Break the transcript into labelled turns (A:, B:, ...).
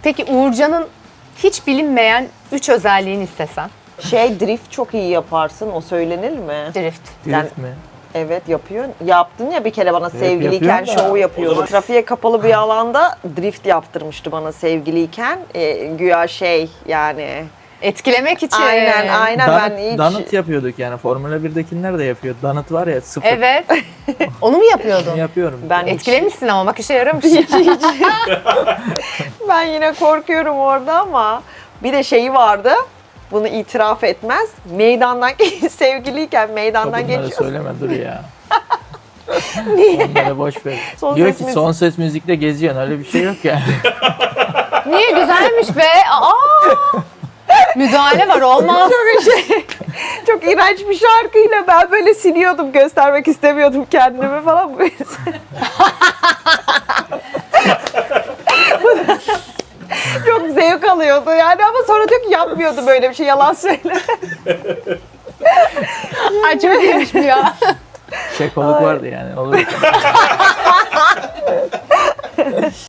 A: Peki Uğurcan'ın hiç bilinmeyen 3 özelliğini istesen.
B: Drift çok iyi yaparsın. O söylenir mi?
A: Drift.
C: Drift mi?
B: Evet yapıyorsun. Yaptın ya bir kere bana sevgiliyken
C: yapıyorum da.
B: şov yapıyordu. Trafiğe kapalı bir alanda drift yaptırmıştı bana sevgiliyken. Güya yani.
A: Etkilemek için.
B: Aynen ben hiç...
C: Donut yapıyorduk yani. Formula 1'dekiler de yapıyor. Donut var ya, sıfır.
A: Evet. Onu mu yapıyordun?
C: Onu yapıyorum.
B: Ben hiç-
A: Etkilemişsin ama bak işe yaramış.
B: Ben yine korkuyorum orada ama bir de şeyi vardı. Bunu itiraf etmez. Meydandan sevgiliyken meydandan
C: Bunları
B: geçiyorsun.
C: söyleme, dur ya.
B: Niye?
C: Onları boş ver.
B: Son
C: Diyor
B: ses
C: ki
B: müzik.
C: son ses müzikte geziyorsun. Öyle bir şey yok yani.
A: Niye güzelmiş be? Aa! Müdahale var olmaz.
B: Çok iğrenç bir şarkıyla ben böyle siliyordum, göstermek istemiyordum kendimi falan. Çok zevk alıyordu yani ama sonra diyor ki yapmıyordu böyle bir şey, yalan söyle.
A: Ay çok iyiymiş bu ya.
C: Şekoluk vardı yani. Olur.